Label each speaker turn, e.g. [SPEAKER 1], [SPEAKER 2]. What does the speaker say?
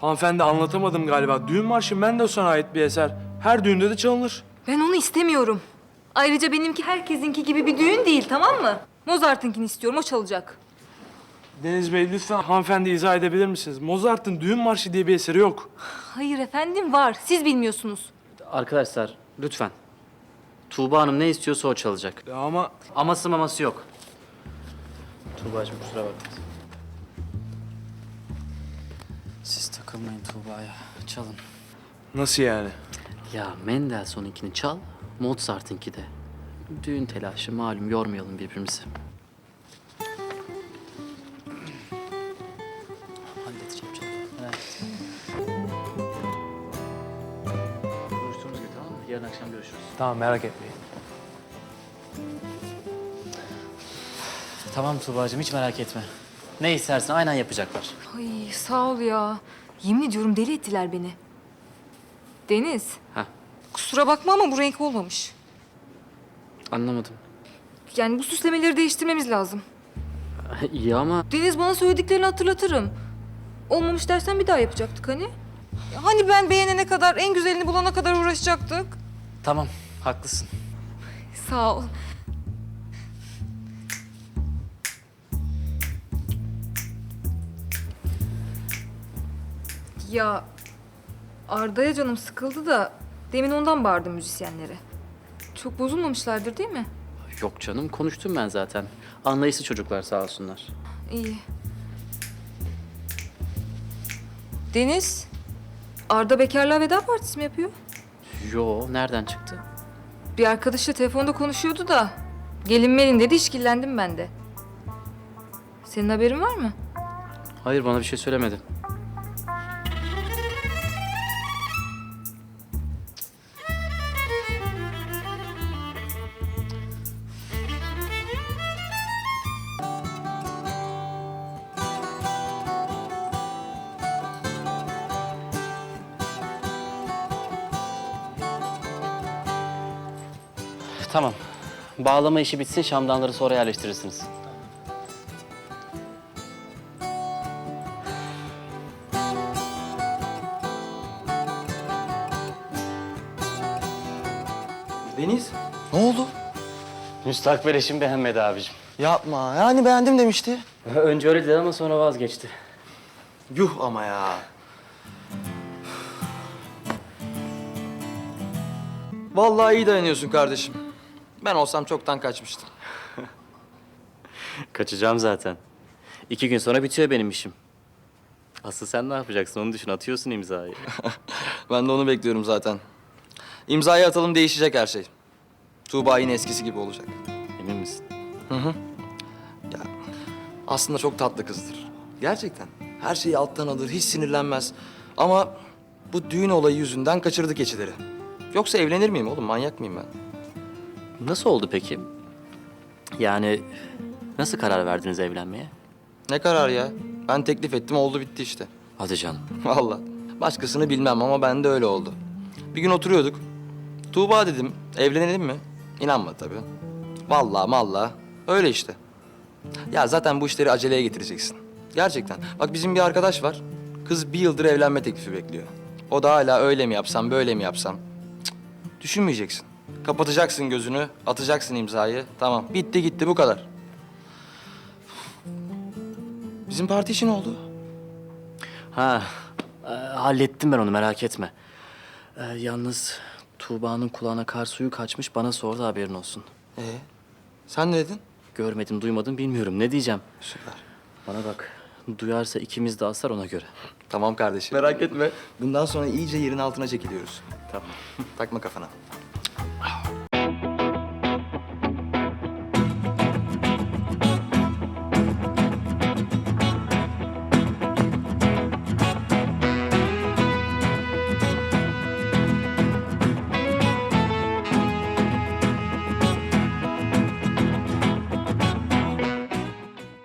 [SPEAKER 1] Hanımefendi anlatamadım galiba. Düğün marşı Mendelssohn'a ait bir eser. Her düğünde de çalınır.
[SPEAKER 2] Ben onu istemiyorum. Ayrıca benimki herkesinki gibi bir düğün değil, tamam mı? Mozart'ınkini istiyorum, o çalacak.
[SPEAKER 1] Deniz Bey lütfen hanımefendi izah edebilir misiniz? Mozart'ın Düğün Marşı diye bir eseri yok.
[SPEAKER 2] Hayır efendim, var. Siz bilmiyorsunuz.
[SPEAKER 3] Arkadaşlar lütfen. Tuğba Hanım ne istiyorsa o çalacak.
[SPEAKER 1] Ya ama
[SPEAKER 3] Aması maması yok. Tuğba'cığım kusura bakma. Siz takılmayın Tuğba'ya. Çalın.
[SPEAKER 1] nasıl yani?
[SPEAKER 3] Ya Mendelssohn'unkini çal, Mozart'ınki de. Düğün telaşı malum, yormayalım birbirimizi. Halledeceğim canım. Merak etme. Konuştuğumuz gibi tamam mı? Yarın akşam görüşürüz.
[SPEAKER 1] Tamam merak etmeyin.
[SPEAKER 3] Tamam Tuğba'cığım hiç merak etme. Ne istersen aynen yapacaklar.
[SPEAKER 2] Ay sağ ol ya. Yemin ediyorum deli ettiler beni. Deniz,
[SPEAKER 3] Heh,
[SPEAKER 2] kusura bakma ama bu renk olmamış.
[SPEAKER 3] anlamadım.
[SPEAKER 2] Yani bu süslemeleri değiştirmemiz lazım.
[SPEAKER 3] İyi ama
[SPEAKER 2] Deniz, bana söylediklerini hatırlatırım. Olmamış dersen bir daha yapacaktık hani. Ya hani ben beğenene kadar, en güzelini bulana kadar uğraşacaktık.
[SPEAKER 3] tamam, haklısın.
[SPEAKER 2] Sağ ol. Ya Arda'ya canım sıkıldı da demin ondan bağırdım müzisyenlere. Çok bozulmamışlardır değil mi?
[SPEAKER 3] Yok canım, konuştum ben zaten. Anlayışlı çocuklar sağ olsunlar.
[SPEAKER 2] İyi. Deniz, Arda bekarlığa veda partisi mi yapıyor?
[SPEAKER 3] Yo, nereden çıktı?
[SPEAKER 2] Bir arkadaşla telefonda konuşuyordu da gelinmelin dedi, işkillendim ben de. Senin haberin var mı?
[SPEAKER 3] Hayır, bana bir şey söylemedi. Tamam. Bağlama işi bitsin, şamdanları sonra yerleştirirsiniz.
[SPEAKER 4] Deniz, ne oldu?
[SPEAKER 3] Müstakbel eşim beğenmedi abicim.
[SPEAKER 4] Yapma, yani beğendim demişti.
[SPEAKER 3] Önce öyle dedi ama sonra vazgeçti.
[SPEAKER 4] Yuh ama ya. Vallahi iyi dayanıyorsun kardeşim. Ben olsam çoktan kaçmıştım.
[SPEAKER 3] Kaçacağım zaten. 2 gün sonra bitiyor benim işim. Asıl sen ne yapacaksın onu düşün. Atıyorsun imzayı.
[SPEAKER 4] Ben de onu bekliyorum zaten. İmzayı atalım, değişecek her şey. Tuğba yine eskisi gibi olacak.
[SPEAKER 3] Emin misin?
[SPEAKER 4] Ya aslında çok tatlı kızdır. Gerçekten. Her şeyi alttan alır, hiç sinirlenmez. Ama bu düğün olayı yüzünden kaçırdı keçileri. Yoksa evlenir miyim oğlum? Manyak mıyım ben?
[SPEAKER 3] Nasıl oldu peki? Yani nasıl karar verdiniz evlenmeye?
[SPEAKER 4] Ne karar ya? Ben teklif ettim, oldu bitti işte.
[SPEAKER 3] Hadi canım.
[SPEAKER 4] Vallahi. Başkasını bilmem ama bende öyle oldu. Bir gün oturuyorduk. Tuğba dedim, evlenelim mi? İnanmadı tabii. Vallahi mallah. Öyle işte. Ya zaten bu işleri aceleye getireceksin. Gerçekten. Bak bizim bir arkadaş var. Kız 1 yıldır evlenme teklifi bekliyor. O da hala öyle mi yapsam, böyle mi yapsam? Cık, düşünmeyeceksin. Kapatacaksın gözünü, atacaksın imzayı. Tamam, bitti gitti bu kadar. Bizim parti işi ne oldu?
[SPEAKER 3] Ha, hallettim ben onu merak etme. Yalnız Tuğba'nın kulağına kar suyu kaçmış bana sordu haberin olsun.
[SPEAKER 4] Sen ne dedin?
[SPEAKER 3] Görmedim duymadım bilmiyorum ne diyeceğim.
[SPEAKER 4] Süper.
[SPEAKER 3] Bana bak duyarsa ikimiz de asar ona göre.
[SPEAKER 4] Tamam kardeşim. Merak etme. Bundan sonra iyice yerin altına çekiliyoruz.
[SPEAKER 3] Tamam.
[SPEAKER 4] Takma kafana.